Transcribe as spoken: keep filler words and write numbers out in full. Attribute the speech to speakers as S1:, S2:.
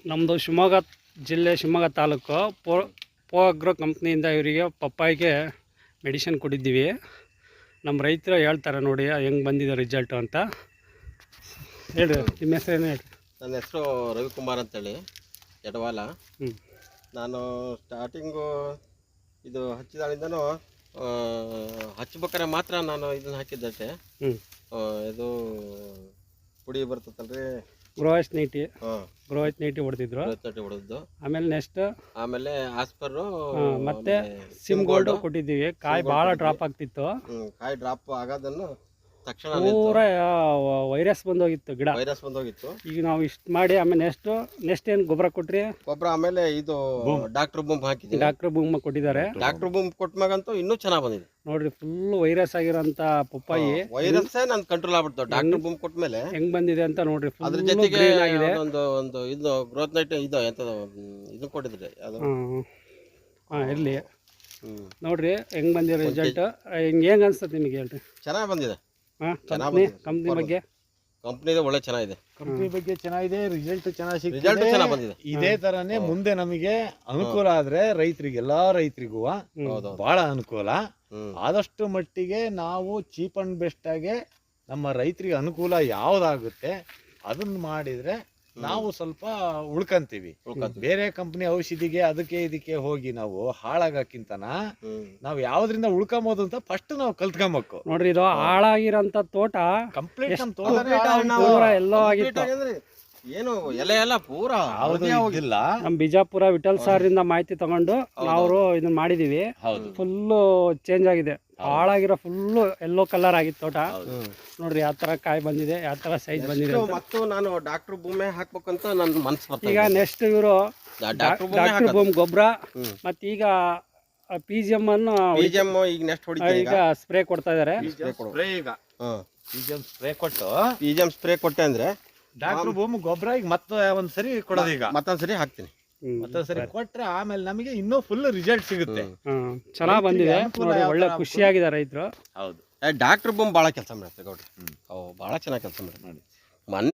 S1: ನಮ್ಮದು ಶಿವಮೊಗ್ಗ ಜಿಲ್ಲೆ ಶಿವಮೊಗ್ಗ ತಾಲೂಕು ಪೋ ಪೋ ಅಗ್ರೋ ಕಂಪ್ನಿಯಿಂದ ಇವರಿಗೆ ಪಪ್ಪಾಯಿಗೆ ಮೆಡಿಷನ್ ಕೊಟ್ಟಿದ್ದೀವಿ. ನಮ್ಮ ರೈತರು ಹೇಳ್ತಾರೆ ನೋಡಿ ಹೆಂಗೆ ಬಂದಿದೆ ರಿಸಲ್ಟು ಅಂತ. ಹೇಳಿ ನಿಮ್ಮ ಹೆಸರು ಏನು ಹೇಳಿ.
S2: ನನ್ನ ಹೆಸರು ರವಿಕುಮಾರ್ ಅಂತೇಳಿ ಎಡವಾಲ.
S1: ಹ್ಞೂ
S2: ನಾನು ಸ್ಟಾರ್ಟಿಂಗು ಇದು ಹಚ್ಚಿದಾಳಿಂದನೂ ಹಚ್ಬೇಕಾರೆ ಮಾತ್ರ ನಾನು ಇದನ್ನು ಹಾಕಿದ್ದಷ್ಟೇ.
S1: ಹ್ಞೂ
S2: ಇದು ಪುಡಿ ಬರ್ತದಲ್ರಿ
S1: ಗ್ರೋವೈಸ್ ನೈಟಿ
S2: ಹಾಂ
S1: ಗ್ರೋವೈಸ್ ನೈಟಿ ಹೊಡೆದಿದ್ರು.
S2: ನೈಟಿ ಹೊಡೆದ್ದು
S1: ಆಮೇಲೆ ನೆಕ್ಸ್ಟ್
S2: ಆಮೇಲೆ ಆಸ್ಪರು
S1: ಮತ್ತೆ ಸಿಮ್ ಗೋಲ್ಡ್ ಕೊಟ್ಟಿದ್ದೀವಿ. ಕಾಯಿ ಭಾಳ ಡ್ರಾಪ್ ಆಗ್ತಿತ್ತು.
S2: ಕಾಯಿ ಡ್ರಾಪ್ ಆಗೋದನ್ನು ತಕ್ಷಣ
S1: ಪೂರ ವೈರಸ್ ಬಂದೋಗಿತ್ತು ಗಿಡ.
S2: ವೈರಸ್ ಬಂದೋಗಿತ್ತು.
S1: ಈಗ ನಾವು ಇಷ್ಟು ಮಾಡಿ ಆಮೇಲೆ ನೆಕ್ಸ್ಟ್ ನೆಕ್ಸ್ಟ್ ಏನು ಗೊಬ್ಬರ ಕೊಟ್ರಿ?
S2: ಗೊಬ್ಬರ ಆಮೇಲೆ ಇದು ಡಾಕ್ಟರ್ ಬೂಮ್ ಹಾಕಿದ್ದೀವಿ.
S1: ಡಾಕ್ಟರ್ ಬೂಮ್ ಕೊಟ್ಟಿದ್ದಾರೆ.
S2: ಡಾಕ್ಟರ್ ಬೂಮ್ ಕೊಟ್ಟಾಗಂತೂ ಇನ್ನೂ ಚೆನ್ನಾಗಿ ಬಂದಿದೆ
S1: ನೋಡ್ರಿ. ಫುಲ್ ವೈರಸ್ ಆಗಿರೋಂಥ ಪಪ್ಪಾಯಿ
S2: ವೈರಸ್ ನನ್ ಕಂಟ್ರೋಲ್ ಆಗ್ಬಿಡ್ತಾವ. ಡಾಕ್ಟರ್ ಬೂಮ್ ಕೊಟ್ಮೇಲೆ
S1: ಹೆಂಗ್ ಬಂದಿದೆ ಅಂತ ನೋಡ್ರಿ.
S2: ಅದ್ರ ಜೊತೆಗೆ ಒಂದು ಒಂದು ಇದು ಗ್ರೋತ್ ನೈಟ್ ಇದು ಎಂತದ ಇದು ಕೊಟ್ಟಿದ್ರಿ ಅದು.
S1: ಹಾಂ ಇರಲಿ ನೋಡ್ರಿ ಹೆಂಗ್ ಬಂದಿರೋ ರಿಸಲ್ಟ್. ಹಿಂಗೆ ಹೆಂಗೆ ಅನ್ಸುತ್ತೆ ನಿಮಗೆ ಹೇಳ್ರಿ.
S2: ಚೆನ್ನಾಗಿ ಬಂದಿದೆ.
S1: ಹಾಂ ಕಂಪ್ನಿ ಕಂಪ್ನಿ ಬಗ್ಗೆ
S2: ಕಂಪ್ನಿದ ಒಳ್ಳೆ ಚೆನ್ನಾಗಿದೆ.
S3: ಕಂಪ್ನಿ ಬಗ್ಗೆ ಚೆನ್ನಾಗಿದೆ. ರಿಸಲ್ಟ್ ಚೆನ್ನಾಗಿ
S2: ರಿಸಲ್ಟ್ ಚೆನ್ನಾಗಿ ಬಂದಿದೆ.
S3: ಇದೇ ತರನೇ ಮುಂದೆ ನಮಗೆ ಅನುಕೂಲ ಆದ್ರೆ ರೈತರಿಗೆ ಎಲ್ಲಾ ರೈತರಿಗೂ ಬಹಳ ಅನುಕೂಲ. ಆದಷ್ಟು ಮಟ್ಟಿಗೆ ನಾವು ಚೀಪ್ ಅಂಡ್ ಬೆಸ್ಟ್ ಆಗಿ ನಮ್ಮ ರೈತರಿಗೆ ಅನುಕೂಲ ಯಾವ್ದಾಗುತ್ತೆ ಅದನ್ನ ಮಾಡಿದ್ರೆ ನಾವು ಸ್ವಲ್ಪ ಉಳ್ಕಂತೀವಿ. ಬೇರೆ ಕಂಪ್ನಿ ಔಷಧಿಗೆ ಅದಕ್ಕೆ ಇದಕ್ಕೆ ಹೋಗಿ ನಾವು ಹಾಳಾಗಕ್ಕಿಂತನ ನಾವು ಯಾವ್ದ್ರಿಂದ ಉಳ್ಕೊಂಬೋದು ಅಂತ ಫಸ್ಟ್ ನಾವು ಕಲ್ತ್ಕೊಂಬೇಕು.
S1: ನೋಡ್ರಿ ಇದು ಹಾಳಾಗಿರೋಂಥ ತೋಟ
S3: ಕಂಪ್ಲೀಟ್ ನಮ್ಮ
S1: ತೋಟ ಎಲ್ಲೋ ಆಗಿತ್ತು.
S2: ಏನು ಎಲೆ ಎಲ್ಲ ಪೂರಾ
S3: ಇಲ್ಲ.
S1: ನಮ್ ಬಿಜಾಪುರ ವಿಠಲ್ ಸಾರಿಂದ ಮಾಹಿತಿ ತಗೊಂಡು ನಾವು ಇದನ್ನ ಮಾಡಿದೀವಿ. ಫುಲ್ಲು ಚೇಂಜ್ ಆಗಿದೆ. ಹಾಳಾಗಿರೋ ಫುಲ್ಲು ಎಲ್ಲೋ ಕಲರ್ ಆಗಿತ್ತು ತೋಟ. ನೋಡ್ರಿ ಯಾವ ತರ ಕಾಯಿ ಬಂದಿದೆ, ಯಾವ ತರ ಸೈಜ್ ಬಂದಿದೆ.
S2: ಮತ್ತು ನಾನು ಡಾಕ್ಟರ್ ಭೂಮಿ ಹಾಕ್ಬೇಕಂತ ನನ್ನ ಮನ್ಸು ಬರ್ತದೆ.
S1: ಈಗ ನೆಕ್ಸ್ಟ್ ಇವರು ಡಾಕ್ಟರ್ ಭೂಮ್ ಗೊಬ್ಬರ ಮತ್ತೆ ಈಗ ಪಿ ಜಿ ಎಂ ಅನ್ನು
S2: ಈಗ ನೆಕ್ಸ್ಟ್ ಹೊಡಿತೀವಿ.
S1: ಈಗ ಸ್ಪ್ರೇ ಕೊಡ್ತಾ ಇದಾರೆ.
S3: ಸ್ಪ್ರೇ ಈಗ ಪಿಜಿಎಂ ಸ್ಪ್ರೇ ಕೊಟ್ಟು
S2: ಪಿಜಿಎಂ ಸ್ಪ್ರೇ ಕೊಟ್ಟೆ ಅಂದ್ರೆ
S3: ಡಾಕ್ಟರ್ ಭೂಮಿ ಗೊಬ್ಬರ ಈಗ ಮತ್ತೆ ಒಂದ್ಸರಿ ಕೊಡೋದು. ಈಗ
S2: ಮತ್ತೊಂದ್ಸರಿ ಹಾಕ್ತೀನಿ.
S3: ಮತ್ತೊಂದ್ಸರಿ ಕೊಟ್ರೆ ಆಮೇಲೆ ನಮಗೆ ಇನ್ನೂ ಫುಲ್ ರಿಸಲ್ಟ್ ಸಿಗುತ್ತೆ.
S1: ಚೆನ್ನಾಗ್ ಬಂದಿದೆ. ಒಳ್ಳೆ ಖುಷಿಯಾಗಿದೆ ರೈತರು.
S3: ಹೌದು.
S2: ಡಾಕ್ಟರ್ ಬೂಮ್ ಭಾಳ ಕೆಲಸ ಮಾಡುತ್ತೆ ಗೌಡ್ರಿ. ಅವು ಭಾಳ ಚೆನ್ನಾಗಿ ಕೆಲಸ ಮಾಡುತ್ತೆ. ಮೊನ್ನೆ